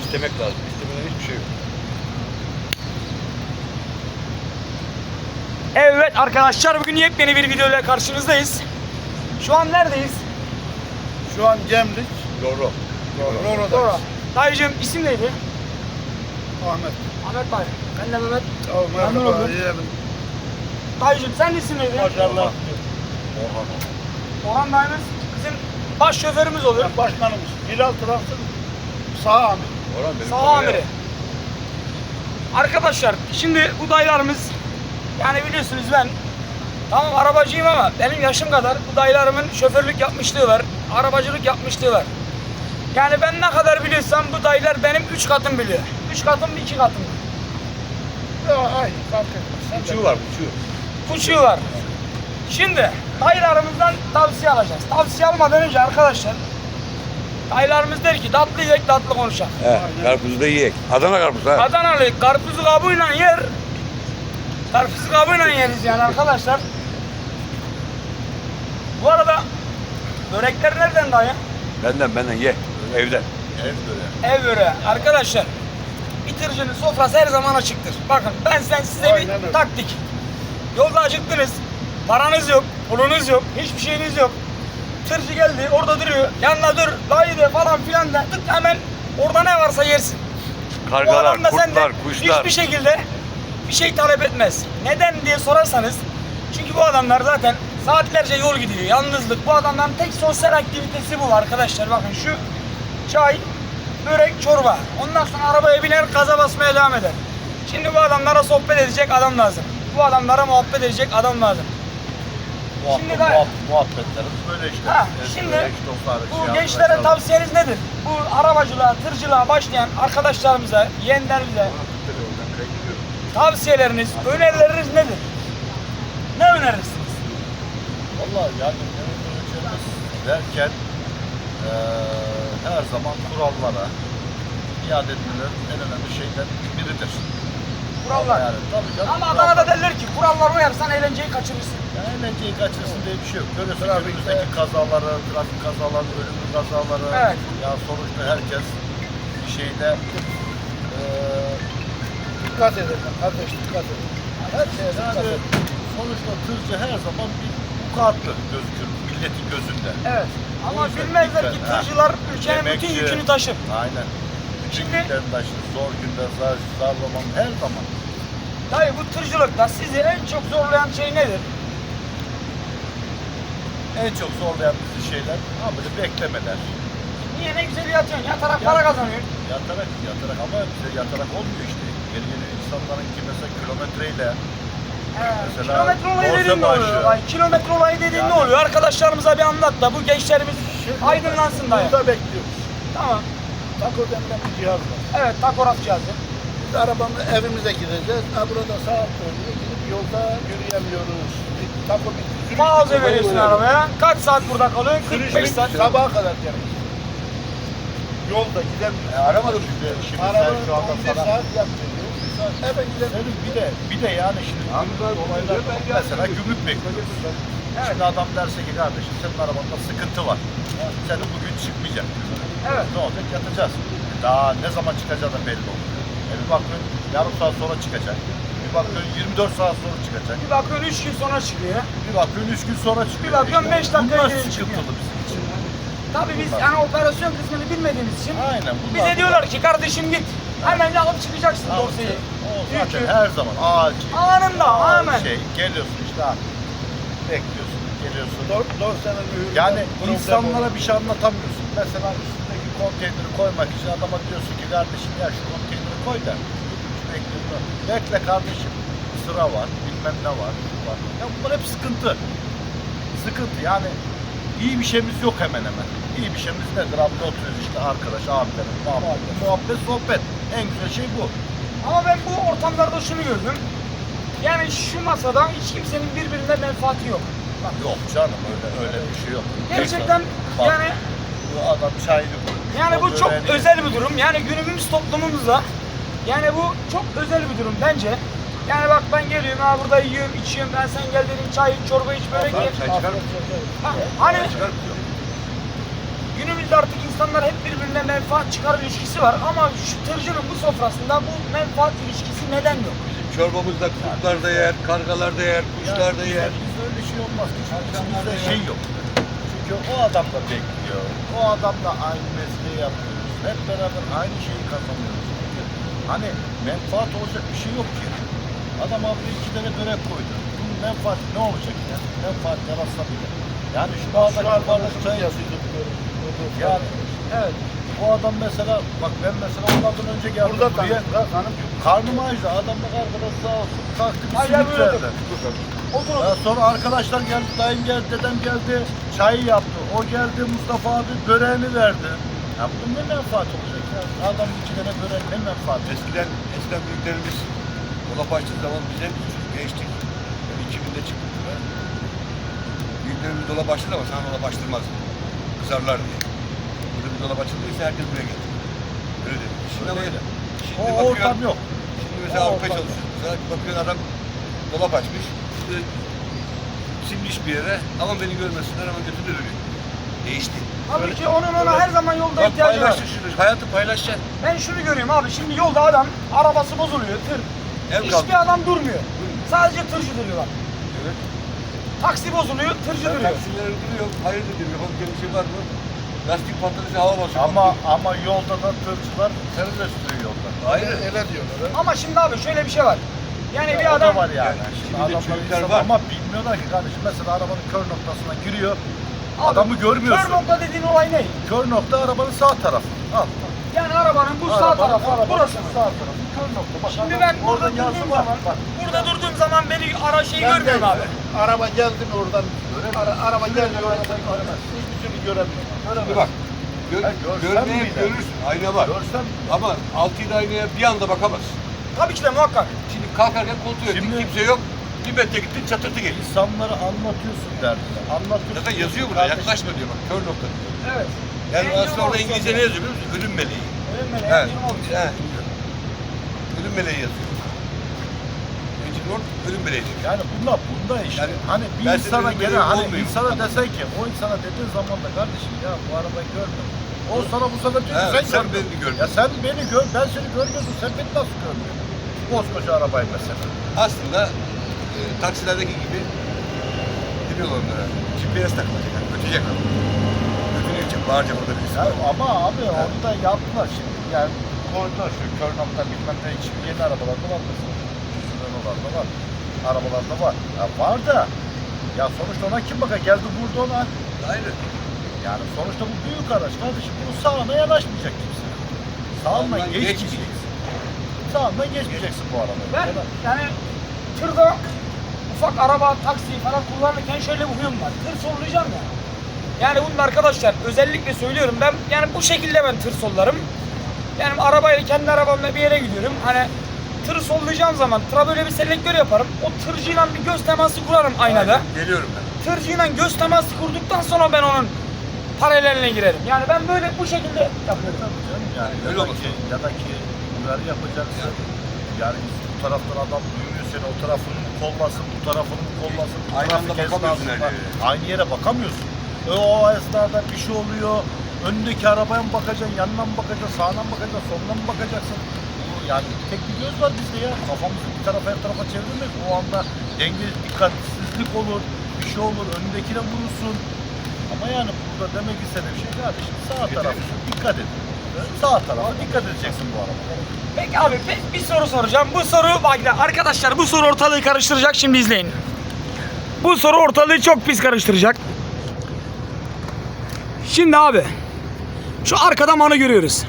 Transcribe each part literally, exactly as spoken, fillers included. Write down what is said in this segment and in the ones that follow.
İstemek lazım. İstemeden hiçbir şey yok. Evet arkadaşlar, bugün yepyeni bir videoyla karşınızdayız. Şu an neredeyiz? Şu an Gemlik. Doğru. Roro'dayız. Doğru. Dayıcığım, isim neydi? Ahmet. Ahmet Dayı. Ben de Mehmet. Oh, Memnun merhaba. oldum. Yiyelim. Dayıcığım, sen de isim neydi? Maşallah. Orhan. Orhan dayımız bizim baş şoförümüz oluyor. Ben başkanımız. Hilal Traktör sağ amir. Orhan benim Sağ kameraya- amiri. Arkadaşlar, şimdi bu dayılarımız, yani biliyorsunuz ben tamam arabacıyım ama benim yaşım kadar bu dayılarımın şoförlük yapmışlığı var, arabacılık yapmışlığı var. Yani ben ne kadar biliyorsam bu dayılar benim üç katım biliyor. Üç katım mı, iki katım mı? Ya, ay, fark etmez. Sen de- Uçuğu var, uçuğu. Buçuğu var. Şimdi dayılarımızdan tavsiye alacağız. Tavsiye almadan önce arkadaşlar, dayılarımız der ki tatlı yiyek, tatlı konuşalım. He, karpuzu da yiyek. Adana karpuz ha. Adanalı karpuzu kabuğuyla yer. Karpuzu kabuğuyla yeriz yani arkadaşlar. Bu arada börekler nereden dayı? Benden benden ye. Evden. Ev böyle. Ev böreği. Arkadaşlar, bitiricinin sofrası her zaman açıktır. Bakın ben sen size Aynen bir öyle. taktik. Yolda acıktınız. Paranız yok, pulunuz yok, hiçbir şeyiniz yok. Tırcı geldi, orada duruyor. Yanına dur, dayı de falan filan da tık hemen orada ne varsa yersin. Bu Kargalar, adam da senden kurtlar, kuşlar. hiçbir şekilde bir şey talep etmez. Neden diye sorarsanız, çünkü bu adamlar zaten saatlerce yol gidiyor. Yalnızlık. Bu adamların tek sosyal aktivitesi bu arkadaşlar. Bakın şu çay, börek, çorba. Ondan sonra arabaya biner, gaza basmaya devam eder. Şimdi bu adamlara sohbet edecek adam lazım. Bu adamlara muhabbet edecek adam lazım. Şimdi de- muhabbetlerimiz böyle işte. Ha, Eski şimdi böyle, işte dostlar, bu şey, gençlere arkadaşlar. tavsiyeniz nedir? Bu arabacılığa, tırcılığa başlayan arkadaşlarımıza, yeğenlerimize tavsiyeleriniz, önerileriniz nedir? Ne önerirsiniz? Vallahi yani öğrencilerimiz derken eee her zaman kurallara iade etmeler en önemli şeyden biridir. Kurallar. Yani tabii canım. Ama kurallar. Adana'da derler ki kurallara uyarsan eğlenceyi kaçırırsın. Yani eğlenceyi kaçırsın diye bir şey yok. Görüyorsun Trafikte- günümüzdeki kazaları, trafik kazaları, ölümlü kazaları. Evet. Ya sonuçta herkes bir şeyde eee Dikkat edin kardeş, dikkat edin. Her şeye dikkat yani edin. sonuçta tırcı her zaman bir vukuatlı gözükür milletin gözünde. Evet. Ama O yüzden bilmezler ki dikkat, tırcılar ülkenin bütün Emekçi. yükünü taşır. Aynen. Bütün Şimdi- yüklerini taşır. Zor günde, zar, zar zaman, her zaman. Dayı, bu tırcılıkta sizi en çok zorlayan şey nedir? En çok zorlayan bizi şeyler, ha böyle beklemeler. Niye, ne güzel yatıyorsun, yatarak para kazanıyorsun. Yatarak, yatarak ama bize yatarak olmuyor işte. Yeni yeni insanların ki mesela kilometreyle, He, Mesela kilometre olayı borsa dediğin ne oluyor? maaşı. Ay, kilometre olayı dediğin Yani- ne oluyor? Arkadaşlarımıza bir anlat da bu gençlerimiz aydınlansın dayı. Burada bekliyoruz. Tamam. Tako denilen bir cihaz var. Evet, takograf cihazı. Biz arabamla evimize gideceğiz. Ha, burada saat dönüyor. Gidip yolda yürüyemiyoruz. Bir Tako bir sürüş Mağaza bir veriyorsun yol arabaya. Kaç saat burada kalıyorsun? Sürüş kırk beş bir saat. sabaha kadar gerek. Yolda gidemiyoruz. e, aramadım şimdi, şimdi Araba sen şu anda on bir sana. saat yapıyor. on bir saat. Hemen gidelim. Senin bir de, bir de yani şimdi gümrük olaylar, mesela gümrük bekliyoruz. Şimdi adam derse ki kardeşim senin arabanda sıkıntı var. Senin bugün çıkmayacak. Evet. Ne olacak? Yatacağız. Daha ne zaman çıkacağı da belli olmuyor. E bir bakıyorsun yarım saat sonra çıkacak. Bir bakıyorsun yirmi dört saat sonra çıkacak. Bir bakıyorsun üç gün sonra çıkıyor. Bir bakıyorsun üç gün sonra çıkıyor. Bir bakıyorsun beş dakika bunlar geri çıkıyor. sıkıntılı bizim için. Tabii biz Bunlar. yani operasyon kısmını bilmediğimiz için Aynen. Bunlar, bize diyorlar ki kardeşim git. Hemen alıp çıkacaksın bunlar- dosyayı. O zaten Yükü. her zaman acil. Anında, Acil hemen. Şey, geliyorsun işte abi. Bekliyorsun, geliyorsun. Dört, dört sene mühürden Yani problem insanlara oldu. bir şey anlatamıyorsun. Mesela üstündeki konteyneri koymak için adama diyorsun ki kardeşim ya şu konteyneri koy da. Bekle, bekle kardeşim. Sıra var, bilmem ne var, şu var. Ya bunlar hep sıkıntı. Sıkıntı yani iyi bir şeyimiz yok hemen hemen. İyi bir şeyimiz nedir? Abi oturuyoruz işte arkadaş, abilerim, muhabbet, muhabbet, sohbet. En güzel şey bu. Ama ben bu ortamlarda şunu gördüm. Yani şu masada hiç kimsenin birbirine menfaati yok. Bak, Yok canım öyle öyle bir şey yok. gerçekten Bak, yani bu adam çayını koyuyor. yani o bu çok böreğini- özel bir durum. Yani günümüz toplumumuzda yani bu çok özel bir durum bence. Yani bak ben geliyorum ha burada yiyorum, içiyorum. Ben sen gel dedim çay iç, çorba iç, börek ye. Çay çıkar mı? Ha, hani Çay çıkar mı? günümüzde artık insanlar hep birbirine menfaat çıkar ilişkisi var ama şu tırcının bu sofrasında bu menfaat ilişkisi neden yok? Çorbamızda kurtlar da yer, kargalar da yer, kuşlar da yer. Bizde öyle şey olmaz. Bizde şey yok. Çünkü o adam da bekliyor. O adamla aynı mesleği yapıyoruz. Hep beraber aynı şeyi kazanıyoruz. Çünkü hani menfaat olacak bir şey yok ki. Adam abi iki tane börek koydu. Bunun menfaati ne olacak ya? Menfaat yaratsa bile. Yani şu bardak bardak çay yazıyorduk. Yani evet. Bu adam mesela, bak ben mesela onlardan önce geldim Burada buraya. tanım. Karnım ağrıdı. Adamla arkadaş sağ olsun kalktı bir Hayır, simit buyurun. verdi. Otur Ya sonra arkadaşlar geldi, dayım geldi, dedem geldi, çayı yaptı. O geldi, Mustafa abi böreğini verdi. Ya bunun ne menfaat olacak ya? Adam iki tane börek ne menfaat? Eskiden, eskiden büyüklerimiz dolap açtığı zaman bize biz çocuk gençtik. Yani iki binde çıktık buraya. Büyüklerimiz dolap açtı ama sana dolap açtırmaz. Kızarlar diye. Burada bir dolap açıldıysa herkes buraya gelir. Öyle dedi. Şimdi ama Öyle. şimdi O bakıyorsun- ortam yok. Şimdi mesela O Avrupa ortam çalışıyorsun. Mesela bakıyorsun adam dolap açmış. İşte simmiş bir yere. Aman beni görmesinler ama götünü dönüyor. Değişti. Tabii ki onun ona her zaman yolda Bak ihtiyacı var. paylaşın şunu. Hayatı paylaşacaksın. Ben şunu görüyorum abi, şimdi yolda adam arabası bozuluyor, tır. Ev Hiçbir kaldı. adam durmuyor. Sadece tırcı duruyorlar. Evet. Taksi bozuluyor, tırcı Sen duruyor. taksileri duruyor. Hayır dedim. Yapabileceğim bir şey var mı? Lastik patladıkça hava basıyor. Ama ama yolda da tırcılar terörist sürüyor yolda. Hayır. Öyle diyorlar. ha. Ama şimdi abi şöyle bir şey var. Yani Ya bir o adam da var yani. Yani Şimdi şimdi de adamlar çocuklar insan var. ama bilmiyorlar ki kardeşim. Mesela arabanın kör noktasına giriyor. Abi, Adamı görmüyorsun. kör nokta dediğin olay ne? Kör nokta arabanın sağ tarafı. Al. Yani arabanın bu sağ Arabanın- tarafı, arabanın burası. Sağ tarafı. Kör nokta. Bak, Şimdi adam- ben burada orada yazı durduğum var. zaman, Bak. burada durduğum zaman beni ara şey Ben görmüyorum de- abi. Araba geldi mi oradan? Ara, araba geldi mi oradan göremez. Hiçbir türlü göremiyor. Şimdi bak. Gör, Ha, görsen görmeye bile. görürsün. Ayna var. Görsen Ama altı yedi aynaya bir anda bakamazsın. Tabii ki de muhakkak. Şimdi kalkarken kontrol ettin. Şimdi- Kimse yok. Bir metre gittin çatırtı geliyor. insanları anlatıyorsun derdini. Anlatıyorsun. Zaten yazıyor burada. Kardeşim, Yaklaşma diyor bak. Kör nokta diyor. Evet. Yani Engine aslında orada olsun İngilizce diyor. ne yazıyor biliyor musun? Ölüm meleği. Ölüm meleği, Evet. engine olsun. He. Ölüm meleği yazıyor. Engine Lord ölüm meleği diyor. Yani bunda bunda işte. Yani hani bir ben insana senin gene benim hani olmuyor. insana desen ki o insana dediğin zaman da kardeşim ya bu arabayı görme. O sana bu sefer diyor ki Evet, sen, sen görmüyorsun. beni görmüyorsun. Ya sen beni gör, ben seni görmüyorsun. Sen beni nasıl görmüyorsun? Koskoca arabayı mesela. Aslında e, taksilerdeki gibi ne diyorlar onlara? G P S takılacak. Yani, ötecek abi. Ötünecek. Bağıracak orada birisi. Ya ama abi onu da yaptılar şimdi. Yani koydular şu kör nokta bilmem ne için yeni arabalarda var mesela. Renault'larda var. Arabalarda var. Ya var da ya sonuçta ona kim bakar? Geldi vurdu ona. Aynen. Yani sonuçta bu büyük araç kardeşim. Bunun sağına yanaşmayacak kimse. Sağından Sağından geçmeyeceksin. Sağından geçmeyeceksin bu arabayı. Ben Ya da- yani tırda ufak araba, taksi falan kullanırken şöyle bir huyum var. Tır sollayacağım ya. Yani bunu arkadaşlar özellikle söylüyorum, ben yani bu şekilde ben tır sollarım. Yani arabayla, kendi arabamla bir yere gidiyorum. Hani tır sollayacağım zaman tıra böyle bir selektör yaparım. O tırcıyla bir göz teması kurarım aynada. Aynen. Geliyorum ben. Tırcıyla göz teması kurduktan sonra ben onun paraleline girerim. Yani ben böyle bu şekilde yapıyorum. Tabii canım yani. Öyle ya, da olması ki, ya da ki uyarı yapacaksın. Yani bu taraftan adam duyuyor seni, o tarafını mı kollasın, bu tarafını mı kollasın, bu Aynı anda trafik bakamıyorsun esnasında her yere. aynı yere bakamıyorsun. E, o esnada bir şey oluyor, önündeki arabaya mı bakacaksın, yanına mı bakacaksın, sağına mı bakacaksın, soluna mı bakacaksın? Yani tek bir göz var bizde ya, kafamızı bir tarafa her tarafa çevirmek, o anda denge, dikkatsizlik olur, bir şey olur, önündekine vurursun. Ama yani burada demek istediğim şey kardeşim, sağ tarafına dikkat et. Sağ tarafa dikkat edeceksin bu arabaya. Peki abi bir- bir soru soracağım. Bu soru bak ya arkadaşlar, bu soru ortalığı karıştıracak, şimdi izleyin. Bu soru ortalığı çok pis karıştıracak. Şimdi abi şu arkada manı görüyoruz.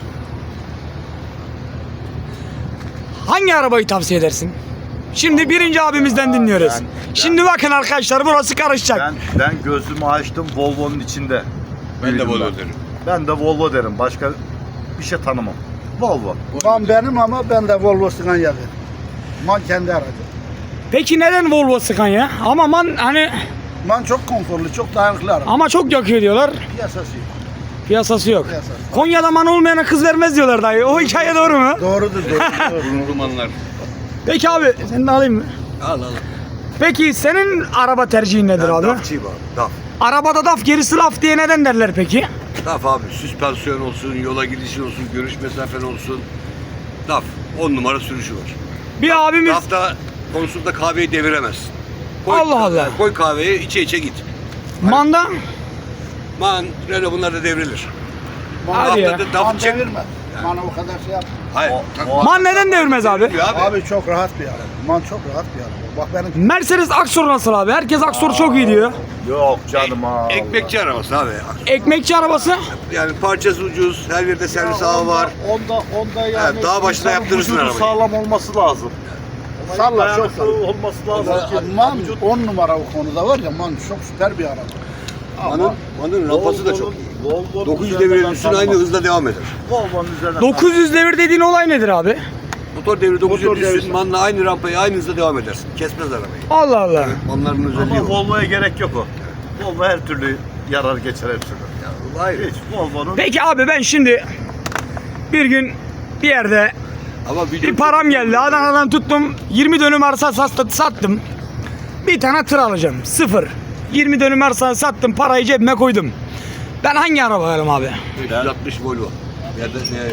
Hangi arabayı tavsiye edersin? Şimdi birinci abimizden dinliyoruz. Ben- ben- Şimdi bakın arkadaşlar, burası karışacak. Ben ben gözümü açtım Volvo'nun içinde. Ben de Büyüdüm Volvo ben. derim. Ben de Volvo derim. Başka bir şey tanımam. Volvo. Man benim ama ben de Volvo Scania derim. Man kendi aracı. Peki neden Volvo Scania? Ama man hani Man çok konforlu, çok dayanıklı araba. ama çok yakıyor diyorlar. Piyasası yok. Piyasası yok. Piyasası. Konya'da man olmayana kız vermez diyorlar dayı. O hikaye doğru mu? Doğrudur, doğru. Romanlar. Peki abi seni de alayım mı? Al al. Peki senin araba tercihin nedir abi? Dafçıyım abi. Daf. Arabada daf gerisi laf diye neden derler peki? Daf abi. Süspansiyon olsun, yola gidişin olsun, görüş mesafen olsun. Daf. On numara sürüşü var. Bir abimiz Dafta konusunda kahveyi deviremezsin. Koy, Allah Allah. Koy kahveyi içe içe git. manda Man, Renault bunlar da devrilir. Hadi ya. Dafta da Man dafı çek. devirme. Manı o kadar şey yap. Hayır. man neden devirmez abi? Abi. abi. Abi çok rahat bir araba. Man çok rahat bir araba. Bak benim Mercedes Aksor nasıl abi? Herkes Aksor çok iyi diyor. Yok canım ha. Ekmekçi arabası abi. Ekmekçi arabası. Yani parçası ucuz, her yerde servis ağı var. Onda, onda yani dağ başına insanın yaptırırsın vücudu arabayı. sağlam olması lazım. Salla, Dayanıklı çok salla. olması lazım ki. Man on numara o konuda var ya, Man çok süper bir araba. Manın, manın rampası da çok iyi. Volvo'nun dokuz yüz üzerinden devir ben üstüne aynı tanımam. hızla devam eder. Volvo'nun üzerinden dokuz yüz devir dediğin olay nedir abi? Motor devri dokuz Motor yüz devri. üstün manla aynı rampayı aynı hızla devam edersin. Kesmez arabayı. Allah Allah. Manların özelliği Ama o. Volvo'ya gerek yok o. Volvo her türlü yarar geçer hepsini. Hayır. Hiç Volvo'nun Peki abi ben şimdi bir gün bir yerde Ama video bir param geldi. Adana'dan tuttum. yirmi dönüm arsa sat- sattım. Bir tane tır alacağım. Sıfır. yirmi dönüm arsa sattım. Parayı cebime koydum. Ben hangi araba alayım abi? beş yüz altmış Volvo. Ya da ne?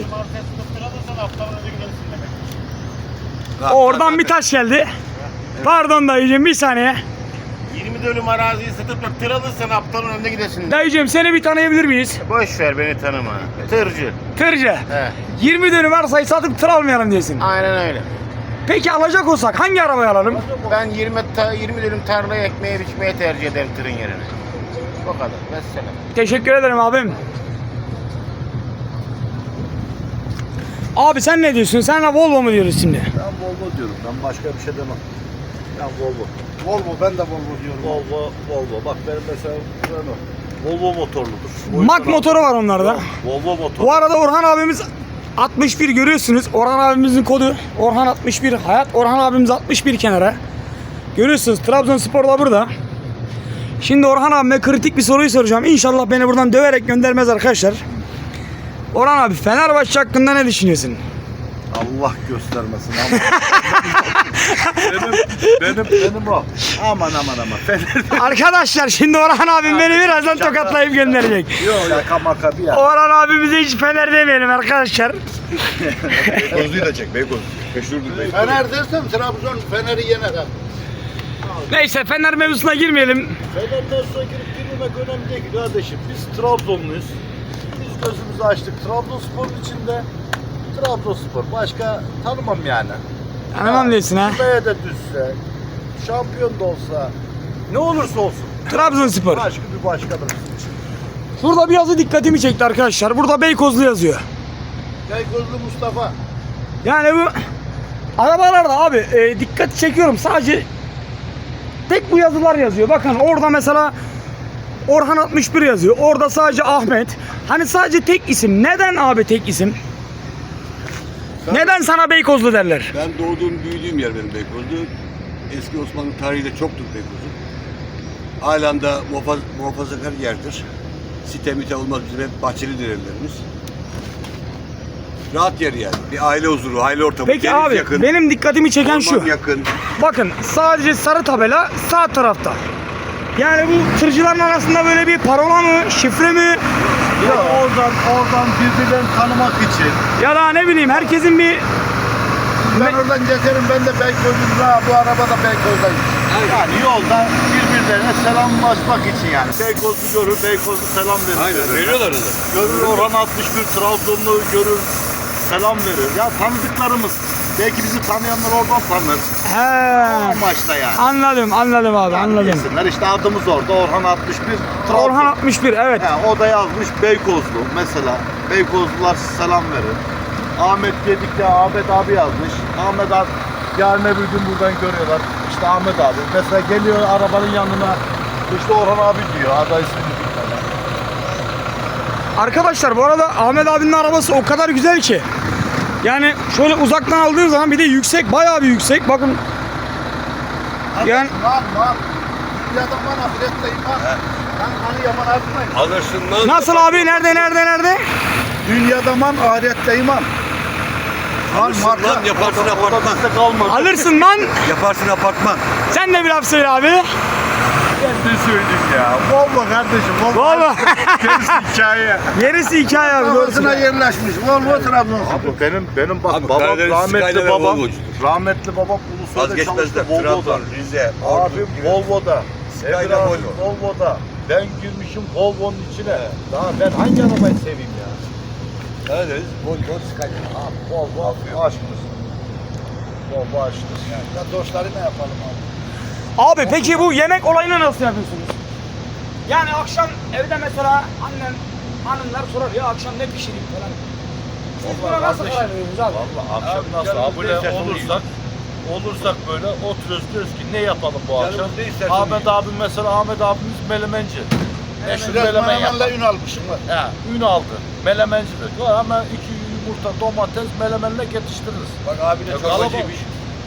Ha, Oradan ha, bir taş geldi. Pardon dayıcığım bir saniye. yirmi dönüm araziyi satıp da tır alırsan aptalın önünde gidesin. Dayıcığım seni bir tanıyabilir miyiz? Boş ver beni tanıma. Tırcı. Tırcı. He. yirmi dönüm arsayı satıp tır almayalım diyorsun. Aynen öyle. Peki alacak olsak hangi arabayı alalım? Ben yirmi, ta, yirmi dönüm tarlayı ekmeğe biçmeye tercih ederim tırın yerine. O kadar. Mesela. Teşekkür ederim abim. Abi sen ne diyorsun? Sen de Volvo mu diyoruz şimdi? ben Volvo diyorum. Ben başka bir şey demem. Ben Volvo. Volvo, ben de Volvo diyorum. Volvo, Volvo. Bak benim mesela Renault. Volvo motorludur. O Mak yüzden motoru var onlarda. aldım. Volvo motor. Bu arada Orhan abimiz altmış bir görüyorsunuz. Orhan abimizin kodu Orhan altmış bir. Hayat Orhan abimiz altmış bir kenara. Görüyorsunuz Trabzonspor'da burada. Şimdi Orhan abime kritik bir soruyu soracağım. İnşallah beni buradan döverek göndermez arkadaşlar. Orhan abi Fenerbahçe hakkında ne düşünüyorsun? Allah göstermesin. Ama. benim, benim, benim o. Aman aman aman. Fener Arkadaşlar şimdi Orhan abim beni birazdan şaka. tokatlayıp gönderecek. yok. Şaka maka bir ya. Orhan abimize hiç Fener demeyelim arkadaşlar. Beykozlu'yu da çek. Beykoz. Meşhurdur Beykoz. Fener dersem Trabzon Fener'i yener ha. Neyse Fener mevzusuna girmeyelim. Fener'den sonra girip girmemek önemli değil ki kardeşim. Biz Trabzonluyuz. Biz gözümüzü açtık. Trabzonspor'un içinde Trabzonspor. Başka tanımam yani. Tanımam diyorsun ha. Kümeye de düşse, şampiyon da olsa, ne olursa olsun. Trabzonspor. Başka bir başkadır bizim için. Şurada bir yazı dikkatimi çekti arkadaşlar. Burada Beykozlu yazıyor. Beykozlu Mustafa. Yani bu arabalarda abi e, dikkat çekiyorum. Sadece tek bu yazılar yazıyor. Bakın orada mesela Orhan altmış bir yazıyor. Orada sadece Ahmet. Hani sadece tek isim. Neden abi tek isim? Neden sana Beykozlu derler? Ben doğduğum, büyüdüğüm yer benim Beykoz'du. Eski Osmanlı tarihi de çoktur Beykoz'un. Halen de muhafaz, muhafazakar yerdir. Site mite olmaz, bizim hep bahçelidir evlerimiz. Rahat yer yani. Bir aile huzuru, aile ortamı. Peki Deniz abi yakın, benim dikkatimi çeken şu. orman yakın. Bakın sadece sarı tabela sağ tarafta. Yani bu tırcıların arasında böyle bir parola mı, şifre mi Ya oradan oradan birbirlerini tanımak için. ya da ne bileyim herkesin bir Ben oradan geçerim, ben de Beykoz'um ha, bu araba da Beykoz'dayım. Yani yolda birbirlerine selamlaşmak için yani. Beykozlu görür, Beykozlu selam verir. Aynen, veriyorlar da. Görür Orhan altmış bir Trabzonlu görür, selam verir. Ya tanıdıklarımız. Belki bizi tanıyanlar oradan tanır. O he, amaçla yani. anladım anladım abi Yani anladım. bilsinler. İşte adımız orada Orhan altmış bir Trabzon. Orhan altmış bir evet. He, o da yazmış Beykozlu mesela. Beykozlular selam verir. Ahmet Gedik'te Ahmet abi yazmış. Ahmet abi yarın öbür gün buradan görüyorlar. İşte Ahmet abi. Mesela geliyor arabanın yanına. İşte Orhan abi diyor. Aday ismini bilmeden. Arkadaşlar bu arada Ahmet abinin arabası o kadar güzel ki. Yani şöyle uzaktan aldığın zaman bir de yüksek, bayağı bir yüksek. Bakın. Yani Man, man. Bir adam bana ahiretteyim ha. Ben hani yaman artmayın. Alırsın lan. nasıl abi? Nerede nerede nerede? Dünyada man, ahirette iman. Man Alırsın marka. lan, yaparsın O da apartman. bizde kalmadı. Alırsın lan. Yaparsın apartman. Sen de bir laf söyle abi. geldi. Ne söyleyeyim ya? Volvo kardeşim. Volvo. Volvo. Gerisi hikaye. Gerisi hikaye abi. Kafasına yerleşmiş. Volvo Trabzonspor. Abi benim benim bak Abi babam Karadeniz rahmetli Skyline babam Volvo'cudur. rahmetli babam Ulusoy'da çalıştı Vazgeçmezler. Volvo'da. Trabzon, Rize, Ordu Abim gibi. Volvo'da. Skyline Emre abi Volvo. Volvo'da. Ben girmişim Volvo'nun içine. Daha ben hangi arabayı seveyim ya? Karadeniz, Volvo, Skyline. Abi Volvo aşkımız. Volvo aşkımız. Ya dostları ne yapalım abi? Abi peki bu yemek olayını nasıl yapıyorsunuz? Yani akşam evde mesela annem, hanımlar sorar ya akşam ne pişireyim falan. Siz buna nasıl kardeşim, karar veriyorsunuz abi? Valla akşam Abi, nasıl canımız abone ne isterse onu olursak olursak böyle oturuyoruz diyoruz ki ne yapalım bu Canımız akşam? ne isterse Ahmet onu abim mesela Ahmet abimiz melemenci. Meşhur Biraz melemen Menemen'le yapar. ün almışım var. Ha, ün aldı. Melemencidir. Hemen iki yumurta, domates, melemenle yetiştiririz. Bak abine Ya, çorbacıymış.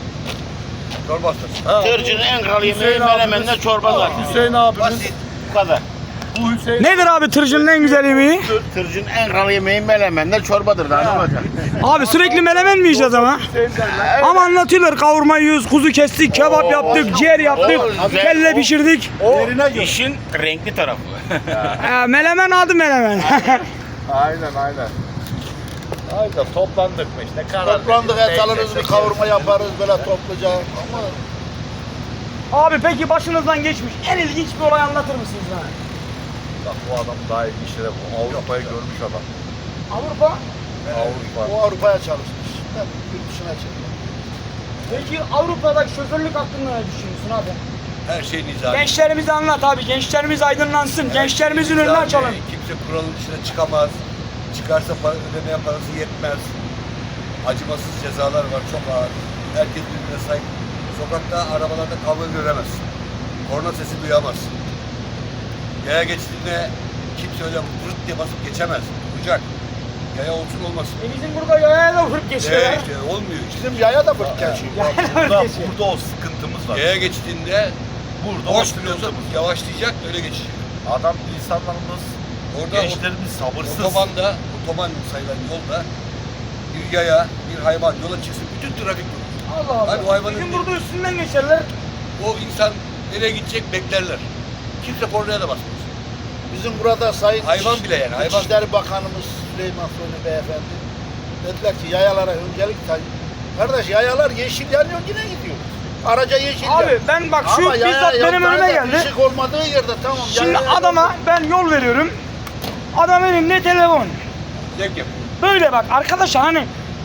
Çorba hastası. Ha, Tırcının en kral yemeği Hüseyin menemenle abimiz- çorba zaten. Hüseyin abimiz Basit. Bu kadar. bu Hüseyin Nedir abi tırcının en güzel yemeği? Tırcının en kral yemeği menemenle çorbadır daha ne olacak? Abi sürekli menemen mi yiyeceğiz ama? Hüseyin derler. Ama anlatıyorlar kavurma yiyoruz, kuzu kestik, kebap yaptık, ciğer yaptık, o güzel, kelle o- pişirdik. O işin renkli tarafı. Ee, menemen adı menemen. Aynen aynen. Aynen toplandık mı işte karar Toplandık verdik. et alırız bir kavurma yaparız böyle topluca. Ama Abi peki başınızdan geçmiş en ilginç bir olay anlatır mısınız bana? Bak bu adam daha iyi işlere bu Avrupa'yı görmüş adam. Avrupa. Avrupa. o Avrupa'ya çalışmış. Ben yurt dışına çıktım. Peki Avrupa'daki şoförlük hakkında ne düşünüyorsun abi? Her şey nizami. Gençlerimize anlat abi, gençlerimiz aydınlansın, gençlerimizin önünü Nizami. açalım. Kimse kuralın dışına çıkamaz. Çıkarsa para, ödemeye parası yetmez. Acımasız cezalar var, çok ağır. Herkes birbirine sahip. Sokakta, arabalarda kavga göremezsin. Korna sesi duyamazsın. Yaya geçtiğinde kimse öyle vırt diye basıp geçemez. Duracak. Yaya olsun olmasın. E bizim burada yaya da vurup geçiyorlar. Yaya işte olmuyor işte. Bizim yaya da fırt geçiyor. Yaya da Burada, vurup geçiyor. burada o sıkıntımız var. Yaya geçtiğinde Burada boş o biliyorsa sıkıntımız var. yavaşlayacak, öyle geçecek. Adam insanlarımız, Orada gençlerimiz sabırsız. otobanda, otoban sayılan yolda bir yaya, bir hayvan yola çıksın, bütün trafik durur. Allah Allah. Abi o hayvanın Bizim bir- burada üstünden geçerler. O insan nereye gidecek beklerler. Kimse kornaya da basmaz. Bizim burada Sayın Hayvan İç- bile yani, hayvan. İçişleri Bakanımız Süleyman Soylu Beyefendi dediler ki yayalara öncelik tay. Kardeş yayalar yeşil yanıyor yine gidiyor. Araca yeşil Abi yanıyor. ben bak şu Ama yaya bizzat benim yaptığında önüme geldi. ışık olmadığı yerde tamam. Şimdi yaya- adama ben yol veriyorum. Adam elinde telefon. Zevk yapıyor. Böyle bak arkadaşlar hani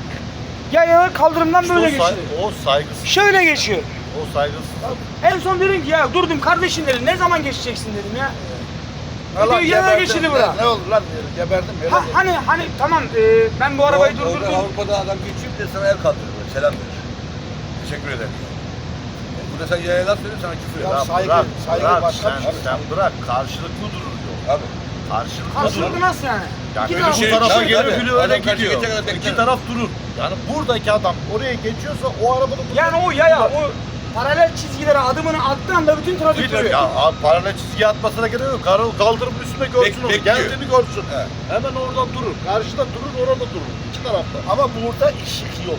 yayalar kaldırımdan İşte böyle o, say- geçiyor. o saygısız. Şöyle geçiyor. O saygısız. En son dedim ki ya durdum kardeşim dedim ne zaman geçeceksin dedim ya. Allah Diyor, yaya geberdim. geçidi Ne- bura. Ne oldu lan diyorum geberdim. Öyle Ha, dedi. hani hani tamam e, ben bu arabayı Orada- orada durdurdum. Avrupa'da adam geçiyor bir de sana el kaldırır, böyle, selam verir. Teşekkür ederim. Burada sen yaya laf veriyor, sana küfür Ya ediyor. saygı- bırak, saygı bırak, başka sen, bir şey. sen bırak. Karşılıklı durur diyor. Abi. Karşılıklı, Karşılıklı durur. nasıl yani? Yani İki biri taraf- bu şey- tarafa tabii, geliyor, tabii. biri öyle Adam karşı gidiyor. geçene kadar İki bekler. taraf durur. Yani buradaki adam oraya geçiyorsa o arabada durur. Yani o yaya o paralel çizgilere adımını attığı anda bütün trafik Gidiyor. duruyor. Ya abi paralel çizgi atmasına gerek yok. Kar- Kaldırımın üstünde görsün Bek- onu. bekliyor. Geldiğini görsün. He. Hemen oradan durur. Karşıda durur, orada durur. İki tarafta. Ama burada ışık yok.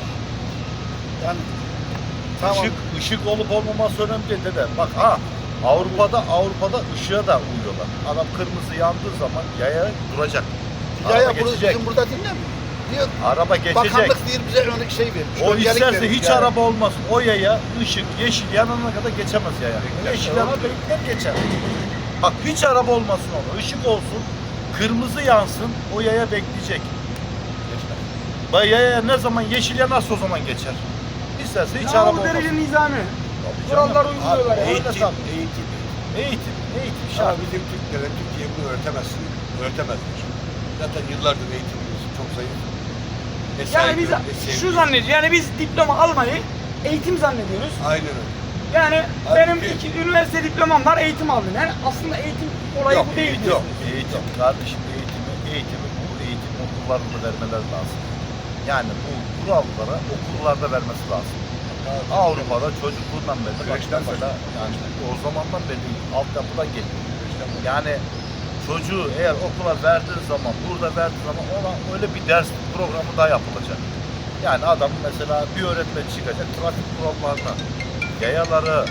Yani tamam. Işık, ışık olup olmaması önemli değil dede. Bak ha Avrupa'da Avrupa'da ışığa da uyuyorlar. Adam kırmızı yandığı zaman yaya duracak. Yaya Araba burada, geçecek. bizim burada dinlemiyor. Diyor, Araba geçecek. bakanlık diyor bize örnek şey vermiş. O öncelik isterse vermiş hiç yani. araba olmasın. O yaya ışık yeşil yanana kadar geçemez yaya. Yeşil yana bekler geçer. Bak hiç araba olmasın ona. Işık olsun. Kırmızı yansın. O yaya bekleyecek. Geçmez. Bak yaya ne zaman yeşil yanarsa o zaman geçer. İsterse hiç Ya araba bu olmasın. derece nizami. Tabii canım. Kurallar uyguluyorlar ya. Abi, Eğitim, öyle tabii. eğitim. Eğitim, eğitim Ya şart. bizim Türklere, Türkiye bunu öğretemezsin, öğretemezler. Zaten yıllardır eğitimimiz çok zayıf. Ne Yani saygı, biz ne sevgi. şu zannediyoruz yani biz diploma almayı eğitim zannediyoruz. Aynen öyle. Yani Halbuki- benim iki üniversite diplomam var eğitim aldım. Yani aslında eğitim olayı Yok, bu değil. eğitim diyorsun. yok. Eğitim, kardeşim eğitimi, eğitimi bu eğitim okullarında vermeleri lazım. Yani bu kurallara okullarda vermesi lazım. Avrupa'da çocukluğundan beri bak Kreşten mesela yani o zamandan beri altyapıdan geliyor. Yani çocuğu eğer okula verdiği zaman, burada verdiği zaman ona öyle bir ders programı daha yapılacak. Yani adam mesela bir öğretmen çıkacak trafik kurallarına, yayaları,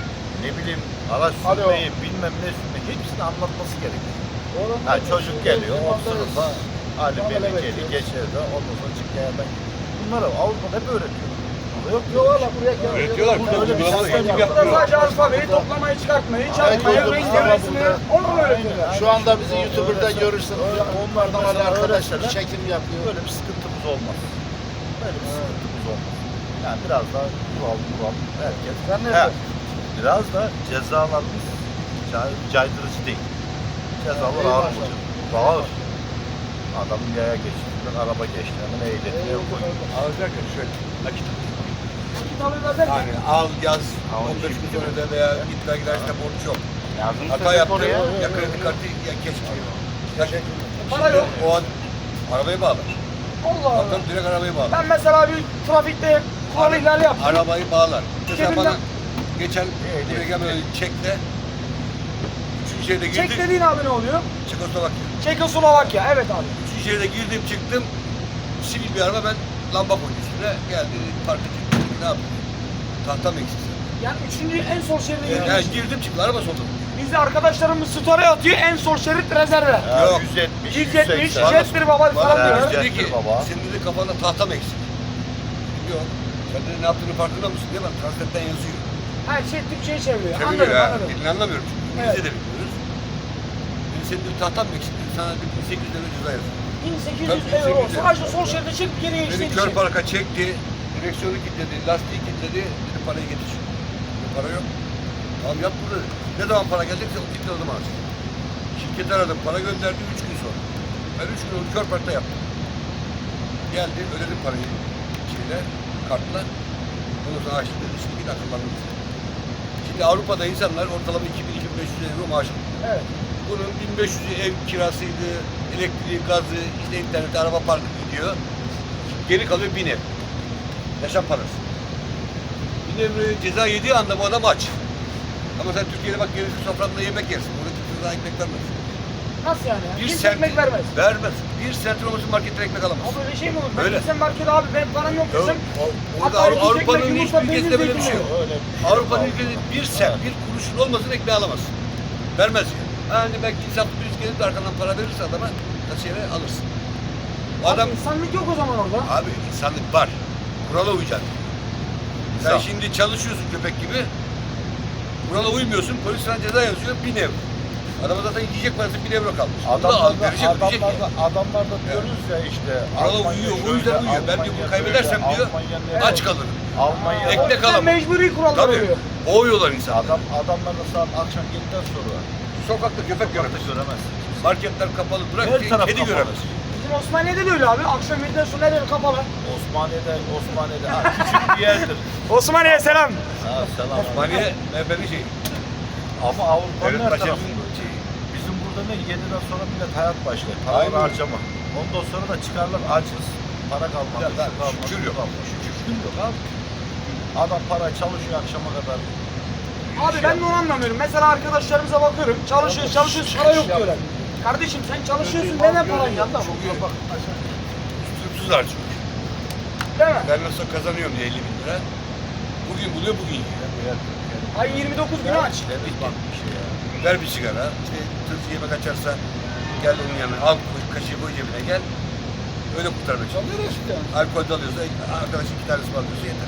ne bileyim araç Alo. sürmeyi, bilmem ne sürmeyi hepsini anlatması gerekiyor. Oranın Ha, çocuk geliyor, o Yılmaz'da sınıfa Ali muamele Melike'li bekliyoruz. geçer de ondan sonra çık yayadan gidiyor. Bunları Avrupa'da hep öğretiyor. Yok Yok valla buraya gel. Öğretiyorlar. Burada öyle bir Uygulama sistem eğitim yok. Burada yapmıyor. sadece alfabeyi, toplamayı, çıkartmayı, çarpmayı, Aynen. renk devresini onu mu öğretiyorlar? Şu anda bizi YouTube'da görürsün. Onlardan mesela var arkadaşlar öğretseler çekim yapıyor. Böyle bir sıkıntımız olmaz. Böyle bir sıkıntımız olmaz. Yani biraz daha kural kural herkes. Sen ne Ha, yapıyorsun? biraz da cezalarımız cay- caydırıcı değil. Cezalar Evet, ağır maşallah. olacak. Ağır. Adamın yaya geçtiğinden araba geçti. Hemen ehliyetine koyuyor. Alacak ya şöyle. Nakit. Nakit alıyorlar derken. Yani al yaz Al, on beş gün şimdi sonra da veya git vergi dairesinde borç yok. Yazdım Hata sepet yaptın oraya. ya kredi kartı ya geç çıkıyor. Ya şey, Para şimdi yok. o an arabayı bağlar. Allah Allah. Bakalım direkt arabayı bağlar. Ben mesela bir trafikte kural ihlali yaptım. Arabayı bağlar. Mesela Cebinden- bana geçen buraya gelmeden önce çekle üçüncü şehirde girdim. Çek dediğin abi ne oluyor? Çekoslovakya. Çekoslovakya, evet abi. Üçüncü şehirde girdim çıktım. Sivil bir araba ben lamba koydum üstüne. Geldi park ettim. Ne yapayım? Tahta mı eksik? Yani üçüncü en sol şeride Yani, gidiyoruz. girdim çıktım araba soldu. Bizde arkadaşlarımız story atıyor, en sol şerit rezerve. Ya Yok. yüz yetmiş, yüz yetmiş, yüz seksen. jettir baba falan Bana diyorlar. Jettir dedi ki baba. senin dedi kafanda tahta mı eksik? Yok. Sen de ne yaptığını farkında mısın diye bak translate'den yazıyor. Her şey Türkçe'ye çeviriyor. Çeviriyor Anladım, ya. anladım. Dilini anlamıyorum çünkü. Evet. Biz de bilmiyoruz. Dedi senin dedi tahtan mı eksik dedi. Sana dedi bin sekiz yüz lira ceza yazıyor. bin sekiz Tabii, yüz bin euro. sekiz yüz Sadece sol şeride çık geriye Beni işte kör parka çekti. Direksiyonu kilitledi. Lastiği kilitledi. Dedi parayı getir. Dedi, para yok. Tamam yap burada dedi. Ne zaman para gelecekse o kilitle o zaman açtı. Şirketi aradım. Para gönderdi üç gün sonra. Ben üç gün onu kör parkta yaptım. Geldi ödedim parayı. Şeyle, kartla. Ondan sonra açtı dedi. Şimdi git akıllandım. Şimdi Avrupa'da insanlar ortalama iki bin iki bin beş yüz euro maaş alıyor. Evet. Bunun bin beş yüzü ev kirasıydı, elektriği, gazı, işte interneti, araba parkı gidiyor. Geri kalıyor bin ev. Yaşam parası. Bin ev ceza yediği anda bu adam aç. Ama sen Türkiye'de bak gelirsin sofranda yemek yersin. Burada kimse sana ekmek vermez. Nasıl yani? Bir Kimse sent- ekmek vermez. Vermez. Bir sentin olmasın marketten ekmek alamaz. Abi öyle şey mi olur? Ben Öyle. gitsem markete abi benim param yok desem. O- Hatta Orada iki Avrupa'nın ekmek, hiçbir yumurta, ülkesinde böyle bir peynir, şey yok. Öyle bir şey Avrupa'nın yok. ülkesinde bir sent, bir kuruşun olmasın ekmeği alamazsın. Vermez yani. Hani belki insan birisi gelip de arkandan para verirse adama kasiyere alırsın. O adam, Abi insanlık yok o zaman orada. abi insanlık var. Kurala uyacaksın. Sen İnsan. şimdi çalışıyorsun köpek gibi. Kurala uymuyorsun, polis sana ceza yazıyor, bin euro. Adama zaten yiyecek parası bin euro kalmış. Onu da al, Adamlar da, verecek, ödeyecek adamlar yani. da, adamlar da diyoruz ya işte. Kurala Almanya uyuyor, o şöyle, yüzden uyuyor. Ben diyor, bunu Almanya kaybedersem böyle, diyor, Almanya ne- aç kalırım. Almanya Ekmek Sen alamam. mecburi kurallar Tabii, oluyor. boğuyorlar insanı. Adam adamlar da saat akşam yediden sonra Sokakta köpek sokakta göremez. göremezsin. Marketler kapalı, bırak Her ki taraf kedi kapalı. göremez. Bizim Osmaniye'de de öyle abi. Akşam yediden sonra her yer kapalı. Osmaniye'de Osmaniye'de ha, küçük bir yerdir. Osmaniye selam. Ha, selam. Osmaniye, MHP'nin şeyi. Ama Avrupa'nın Devlet her Bahçeli'nin tarafında. şeyi. Bizim burada ne yediden sonra millet hayat başlar. Para Aynen. harcama. Ondan sonra da çıkarlar açız. Para kalmadı. Ya lan, şu kalmadı, şükür bu yok. kalmadı. Şükür yok abi. Adam para çalışıyor akşama kadar. Abi ben de onu anlamıyorum. Mesela arkadaşlarımıza bakıyorum. Çalışıyoruz, çalışıyoruz, para yok diyorlar. Kardeşim sen çalışıyorsun, neden paran yok? Çok iyi. Üstüpsüz harcıyor. Değil mi? Ben nasıl kazanıyorum diye elli bin lira. Bugün buluyor, bugün yiyor. Ay yirmi dokuz günü aç. Deniz bak bir şey ya. Ver bir sigara, işte tırsı yemek açarsa gel onun yanına, al kaşığı koy cebine gel. Öyle kurtarmak için. Çalıyor işte. Alkol de alıyorsa, arkadaş iki tanesi var diyorsa yeter.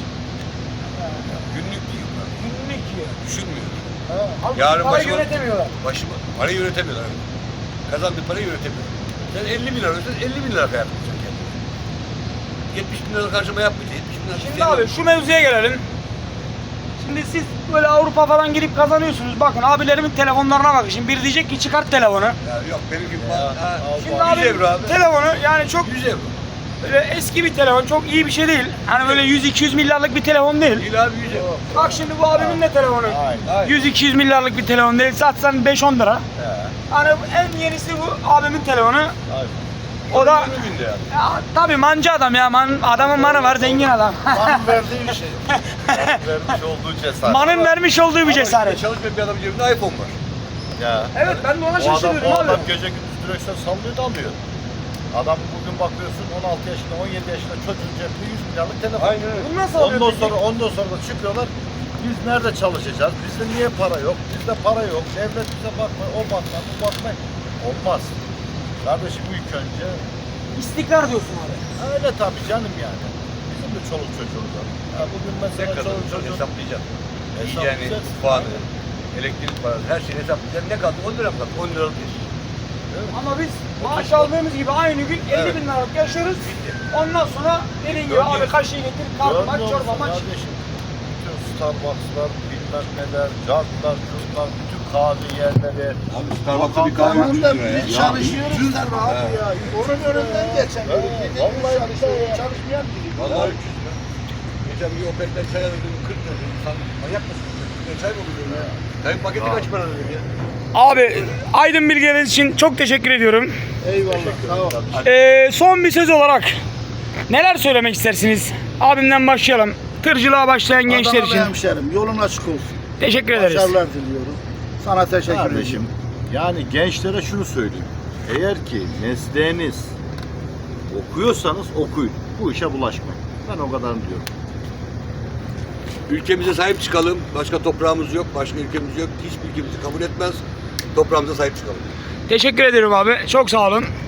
Günlük yiyor. Günlük yiyor. Düşünmüyor. Ha. Halbuki Yarın parayı başıma- yönetemiyorlar. Başımı, parayı yönetemiyorlar. Evet. Kazandığı parayı yönetemiyor. Sen elli bin lira ödesen elli bin lira yapmayacaksın kendine. yetmiş bin lira harcama yapmayacaksın. yetmiş bin lira Şimdi harcama abi şu mevzuya gelelim. Şimdi siz böyle Avrupa falan girip kazanıyorsunuz. Bakın abilerimin telefonlarına bakın. Şimdi biri diyecek ki çıkart telefonu. Ya yok benim gibi. Ya, Ha, al Şimdi bak. abi yüz euro abi. telefonu yani çok yüz euro. böyle eski bir telefon. Çok iyi bir şey değil. Hani böyle yüz iki yüz milyarlık bir telefon değil. Değil abi yüz euro. Bak şimdi bu abimin de telefonu. Aynen. yüz iki yüz milyarlık bir telefon değil. Satsan beş on lira. He, Hani en yenisi bu abimin telefonu. aynen. O da yirmi bin lira. ya, tabii mancı adam ya. Man, adamın manı var, zengin adam. Manın verdiği bir şey. Vermiş olduğu cesaret. Manın vermiş olduğu bir Ama cesaret. işte çalışmayan bir adamın cebinde iPhone var. Ya. Evet ben de ona O adam, şaşırıyorum o abi. adam gece gündüz direksiyon sallıyor da alıyor. Adam bugün bakıyorsun on altı yaşında, on yedi yaşında çocuğun cebinde yüz milyarlık telefon. Aynen öyle. Bunu nasıl alıyor Ondan peki? sonra ondan sonra da çıkıyorlar biz nerede çalışacağız? Bizde niye para yok? Bizde para yok. Devlet bize bakma, o bakma, bu bakma. Olmaz. Kardeşim ilk önce İstikrar diyorsun abi. öyle tabii canım yani. Bizim de çoluk çocuğumuz var. Ha, bugün Ne mesela kadar çoluk çocuğum hesaplayacaksın. Yani Hesaplayacaksın. mutfağını, elektrik parası, her şeyi hesaplayacaksın. Ne kaldı? on lira mı kaldı? on liralık iş. Ama biz maaş aldığımız gibi aynı gün elli Evet. bin liralık yaşıyoruz. Ondan sonra dediğin gibi Dönüyor. abi kaşığı getir, kalkmak, Görmüyor çorba musun maç. kardeşim? Bütün Starbucks'lar, bilmem neler, cartlar, curtlar, bütün kahve yerleri. Abi Starbucks'ta bir kahve Tamam üç yüz da lira ya. biz çalışıyoruz da abi ya. Onun önünden geçemiyoruz. Evet, Gece vallahi gündüz çalışıyoruz. billahi. Çalışmayan biri. Vallahi üç yüz lira. Geçen bir Opet'ten çay aldım kırk lira dedim. Sen manyak mısın? Ne çay mı oluyor ya? Çayın paketi kaç para dedim ya? Abi aydın bilgileriniz için çok teşekkür ediyorum. Eyvallah. Sağ ol. Ee, son bir söz olarak neler söylemek istersiniz? Abimden başlayalım. Tırcılığa başlayan gençler Adana için. hemşerim. Yolun açık olsun. Teşekkür ederiz. Başarılar diliyorum. Sana teşekkür Kardeşim, ediyorum. yani gençlere şunu söyleyeyim. Eğer ki mesleğiniz okuyorsanız okuyun. Bu işe bulaşmayın. Ben o kadar diyorum. Ülkemize sahip çıkalım. Başka toprağımız yok, başka ülkemiz yok. Hiçbir ülkemizi kabul etmez. Toprağımıza sahip çıkalım. Teşekkür ederim abi. Çok sağ olun.